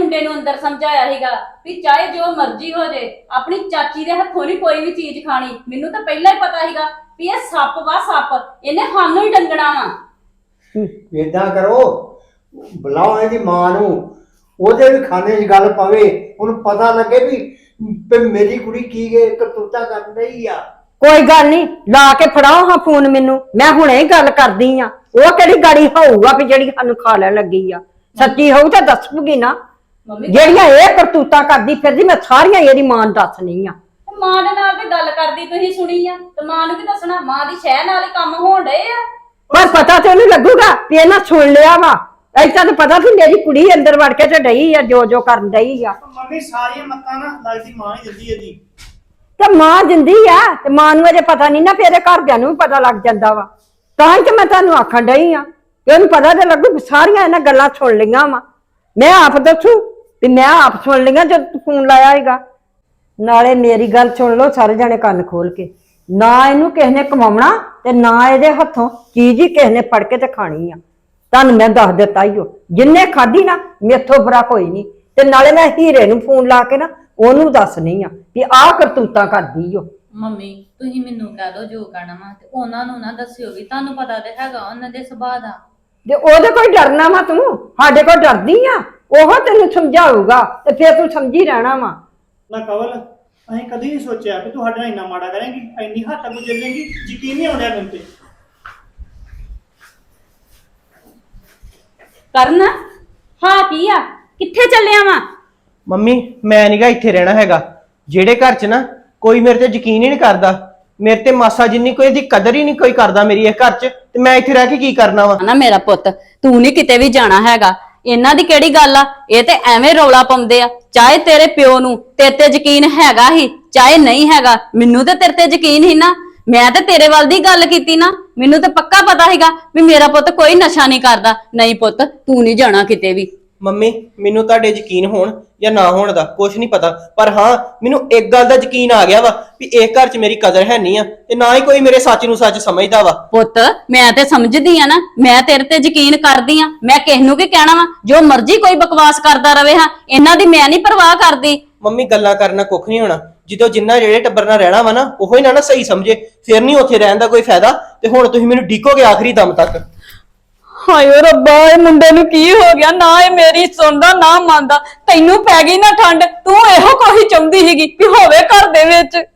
ਮੁੰਡੇ ਨੂੰ ਅੰਦਰ ਸਮਝਾਇਆ ਸੀਗਾ ਵੀ ਚਾਹੇ ਜੋ ਮਰਜ਼ੀ ਹੋ ਜੇ ਆਪਣੀ ਚਾਚੀ ਦੇ ਹੱਥੋਂ ਨਹੀਂ ਕੋਈ ਵੀ ਚੀਜ਼ ਖਾਣੀ। ਮੈਨੂੰ ਤਾਂ ਪਹਿਲਾਂ ਹੀ ਪਤਾ ਸੀਗਾ ਵੀ ਇਹ ਸੱਪ ਵਾ ਸੱਪ, ਇਹਨੇ ਸਾਨੂੰ ਹੀ ਡੰਗਣਾ ਵਾ। ਏਦਾਂ ਕਰੋ, ਬੁਲਾਓ ਇਹਦੀ ਮਾਂ ਨੂੰ, ਉਹਦੇ ਵੀ ਖਾਨੇ 'ਚ ਗੱਲ ਪਵੇ, ਉਹਨੂੰ ਪਤਾ ਲੱਗੇ ਵੀ ਵੀ ਮੇਰੀ ਕੁੜੀ ਕੀ ਕਰਤੂਤਾ ਕਰਨ ਰਹੀ ਆ। ਕੋਈ ਗੱਲ ਨਹੀਂ, ਲਾ ਕੇ ਫੜਾਓ ਹਾਂ ਫੋਨ ਮੈਨੂੰ, ਮੈਂ ਹੁਣੇ ਹੀ ਗੱਲ ਕਰਦੀ ਆ। ਉਹ ਕਿਹੜੀ ਗਾੜੀ ਹੋਊਗਾ ਵੀ ਜਿਹੜੀ ਸਾਨੂੰ ਖਾ ਲੈਣ ਲੱਗੀ ਆ? ਸੱਚੀ ਹੋਊ ਤਾਂ ਦੱਸੂਗੀ ਨਾ। ਮੰਮੀ ਜਿਹੜੀਆਂ ਇਹ ਕਰਤੂਤਾਂ ਕਰਦੀ ਫਿਰਦੀ ਮੈਂ ਸਾਰੀਆਂ ਇਹਦੀ ਮਾਂ ਨੂੰ ਦੱਸਣੀ ਆ। ਮਾਂ ਦੇ ਨਾਲ ਤੇ ਗੱਲ ਕਰਦੀ ਤੁਸੀਂ ਸੁਣੀ ਆ, ਤੇ ਮਾਂ ਨੂੰ ਕੀ ਦੱਸਣਾ? ਮਾਂ ਦੀ ਸ਼ਹਿ ਨਾਲ ਹੀ ਕੰਮ ਹੋਣ ਡਏ ਆ। ਪਰ ਪਤਾ ਤੇ ਉਹਨੂੰ ਲੱਗੂਗਾ ਵੀ ਇਹਨਾਂ ਸੁਣ ਲਿਆ ਵਾ। ਐਸਾ ਤਾਂ ਪਤਾ ਸੀ ਮੇਰੀ ਕੁੜੀ ਅੰਦਰ ਵੜ ਕੇ ਤੇ ਡਈ ਆ ਜੋ ਜੋ ਕਰਨ ਡਈ ਆ। ਮੰਮੀ ਸਾਰੀਆਂ ਮੱਤਾਂ ਨਾ ਲੱਗਦੀ ਮਾਂ ਹੀ ਦਿੰਦੀ ਇਹਦੀ। ਤੇ ਮਾਂ ਜਿੰਦੀ ਆ ਤੇ ਮਾਂ ਨੂੰ ਅਜੇ ਪਤਾ ਨਹੀਂ ਨਾ, ਫੇਰੇ ਘਰਦਿਆਂ ਨੂੰ ਵੀ ਪਤਾ ਲੱਗ ਜਾਂਦਾ ਵਾ। ਤਾਂ ਹੀ ਤੇ ਮੈਂ ਤੁਹਾਨੂੰ ਆਖਣ ਡਈ ਆ ਕਿ ਉਹਨੂੰ ਪਤਾ ਤੇ ਲੱਗੂ। ਸਾਰੀਆਂ ਇਹਨਾਂ ਗੱਲਾਂ ਸੁਣ ਲਈਆਂ ਵਾ, ਮੈਂ ਆਪ ਦੱਸੂ ਵੀ ਮੈਂ ਆਪ ਸੁਣ ਲਈਆਂ ਜਦ ਤੂੰ ਫੋਨ ਲਾਇਆ ਹੈਗਾ। ਨਾਲੇ ਮੇਰੀ ਗੱਲ ਸੁਣ ਲਓ ਸਾਰੇ ਜਣੇ ਕੰਨ ਖੋਲ ਕੇ, ਨਾ ਇਹਨੂੰ ਕਿਸੇ ਨੇ ਕਮਾਉਣਾ ਤੇ ਨਾ ਇਹਦੇ ਹੱਥੋਂ ਚੀਜ਼ ਹੀ ਕਿਸੇ ਨੇ ਫੜ ਕੇ ਤੇ ਖਾਣੀ ਆ। ਤੁਹਾਨੂੰ ਮੈਂ ਦੱਸ ਦਿੱਤਾ ਈ ਓ, ਜਿੰਨੇ ਖਾਧੀ ਨਾ ਮੇਥੋਂ ਬੁਰਾ ਕੋਈ ਨਹੀਂ। ਤੇ ਨਾਲੇ ਮੈਂ ਹੀਰੇ ਨੂੰ ਫੋਨ ਲਾ ਕੇ ਨਾ ਉਹਨੂੰ ਦੱਸਣੀ ਆ ਵੀ ਆਹ ਕਰਤੂਤਾਂ ਕਰਦੀ ਓ। ਮੰਮੀ ਤੁਸੀਂ ਮੈਨੂੰ ਕਹਿ ਦੋ ਜੋ ਕਹਿਣਾ ਵਾ, ਤੇ ਉਹਨਾਂ ਨੂੰ ਨਾ ਦੱਸਿਓ ਵੀ ਤੁਹਾਨੂੰ ਪਤਾ ਤੇ ਹੈਗਾ ਉਹਨਾਂ ਦੇ ਸੁਭਾਅ ਦਾ। ਤੇ ਉਹਦੇ ਕੋਈ ਡਰਨਾ ਵਾ ਤੂੰ? ਸਾਡੇ ਕੋਲ ਡਰਦੀ ਆ? ਉਹ ਤੈਨੂੰ ਸਮਝਾਊਗਾ ਤੇ ਫਿਰ ਤੂੰ ਸਮਝੀ ਰਹਿਣਾ ਵਾ। ਨਾ ਕਵਲ, ਅਸੀਂ ਕਦੀ ਨਹੀਂ ਸੋਚਿਆ ਕਿ ਤੂੰ ਸਾਡੇ ਨਾਲ ਇੰਨਾ ਮਾੜਾ ਕਰੇਂਗੀ, ਇੰਨੀ ਹੱਦ ਤੱਕ ਗੁਜ਼ਰੇਂਗੀ। ਯਕੀਨ ਨਹੀਂ ਆਉਂਦਾ ਮੈਨੂੰ ਤੇ। ਕਰਨ ਹਾਂ ਕੀ ਆ, ਕਿੱਥੇ ਚੱਲਿਆ ਵਾ? ਮੰਮੀ ਮੈਂ ਨਹੀਂਗਾ ਇੱਥੇ ਰਹਿਣਾ ਹੈਗਾ। ਜਿਹੜੇ ਘਰ 'ਚ ਨਾ ਕੋਈ ਮੇਰੇ ਤੇ ਯਕੀਨ ਹੀ ਨਹੀਂ ਕਰਦਾ, ਮੇਰੇ ਤੇ ਮਾਸਾ ਜਿੰਨੀ ਕੋਈ ਇਹਦੀ ਕਦਰ ਹੀ ਨਹੀਂ ਕੋਈ ਕਰਦਾ ਮੇਰੀ ਇਹ ਘਰ 'ਚ, ਤੇ ਮੈਂ ਇੱਥੇ ਰਹਿ ਕੇ ਕੀ ਕਰਨਾ ਵਾ? ਨਾ ਮੇਰਾ ਪੁੱਤ, ਤੂੰ ਨਹੀਂ ਕਿਤੇ ਵੀ ਜਾਣਾ ਹੈਗਾ। ਇਹਨਾਂ ਦੀ ਕਿਹੜੀ ਗੱਲ ਆ? ਇਹ ਤੇ ਐਵੇਂ ਰੌਲਾ ਪਾਉਂਦੇ ਆ। ਚਾਹੇ ਤੇਰੇ ਪਿਓ ਨੂੰ ਤੇਰੇ ਤੇ ਯਕੀਨ ਹੈਗਾ ਹੀ ਚਾਹੇ ਨਹੀਂ ਹੈਗਾ, ਮੈਨੂੰ ਤੇ ਤੇਰੇ ਤੇ ਯਕੀਨ ਹੀ ਨਾ। ਮੈਂ ਤੇ ਤੇਰੇ ਵੱਲ ਦੀ ਗੱਲ ਕੀਤੀ ਨਾ, ਮੈਨੂੰ ਤੇ ਪੱਕਾ ਪਤਾ ਹੈਗਾ ਵੀ ਮੇਰਾ ਪੁੱਤ ਕੋਈ ਨਸ਼ਾ ਨਹੀਂ ਕਰਦਾ। ਨਹੀਂ ਪੁੱਤ, ਤੂੰ ਨਹੀਂ ਜਾਣਾ ਕਿਤੇ ਵੀ। ਮੰਮੀ ਮੈਨੂੰ ਤੁਹਾਡੇ ਯਕੀਨ ਹੋਣ ਜਾਂ ਨਾ ਹੋਣ ਦਾ ਕੁਝ ਨਹੀਂ ਪਤਾ, ਪਰ ਹਾਂ ਮੈਨੂੰ ਇੱਕ ਗੱਲ ਦਾ ਯਕੀਨ ਆ ਗਿਆ ਵਾ ਵੀ ਇਹ ਘਰ 'ਚ ਮੇਰੀ ਕਦਰ ਹੈ ਨਹੀਂ ਆ, ਤੇ ਨਾ ਹੀ ਕੋਈ ਮੇਰੇ ਸੱਚ ਨੂੰ ਸੱਚ ਸਮਝਦਾ ਵਾ। ਪੁੱਤ ਮੈਂ ਤੇ ਸਮਝਦੀ ਆ ਨਾ, ਮੈਂ ਤੇਰੇ ਤੇ ਯਕੀਨ ਕਰਦੀ ਆ। ਮੈਂ ਕਿਸ ਨੂੰ ਕੀ ਕਹਿਣਾ ਵਾ? ਜੋ ਮਰਜ਼ੀ ਕੋਈ ਬਕਵਾਸ ਕਰਦਾ ਰਵੇ, ਹਾਂ ਇਹਨਾਂ ਦੀ ਮੈਂ ਨਹੀਂ ਪਰਵਾਹ ਕਰਦੀ। ਮੰਮੀ ਗੱਲਾਂ ਕਰਨਾ ਕੁੱਖ ਨਹੀਂ ਹੋਣਾ, ਜਦੋਂ ਜਿੰਨਾ ਜਿਹੜੇ ਟੱਬਰ ਨਾਲ ਰਹਿਣਾ ਵਾ ਨਾ ਉਹੋ ਹੀ ਨਾ ਨਾ ਸਹੀ ਸਮਝੇ, ਫਿਰ ਨਹੀਂ ਉੱਥੇ ਰਹਿਣ ਦਾ ਕੋਈ ਫਾਇਦਾ। ਤੇ ਹੁਣ ਤੁਸੀਂ ਮੈਨੂੰ ਡੀਕੋਗੇ ਆਖਰੀ ਦਮ ਤੱਕ। ਹਾਏ ਓ ਰੱਬਾ, ਇਹ ਮੁੰਡੇ ਨੂੰ ਕੀ ਹੋ ਗਿਆ? ਨਾ ਇਹ ਮੇਰੀ ਸੁਣਦਾ ਨਾ ਮੰਨਦਾ। ਤੈਨੂੰ ਪੈ ਗਈ ਨਾ ਠੰਡ, ਤੂੰ ਇਹੋ ਕੋਈ ਚਾਹੁੰਦੀ ਸੀਗੀ ਕਿ ਹੋਵੇ ਘਰ ਦੇ ਵਿੱਚ।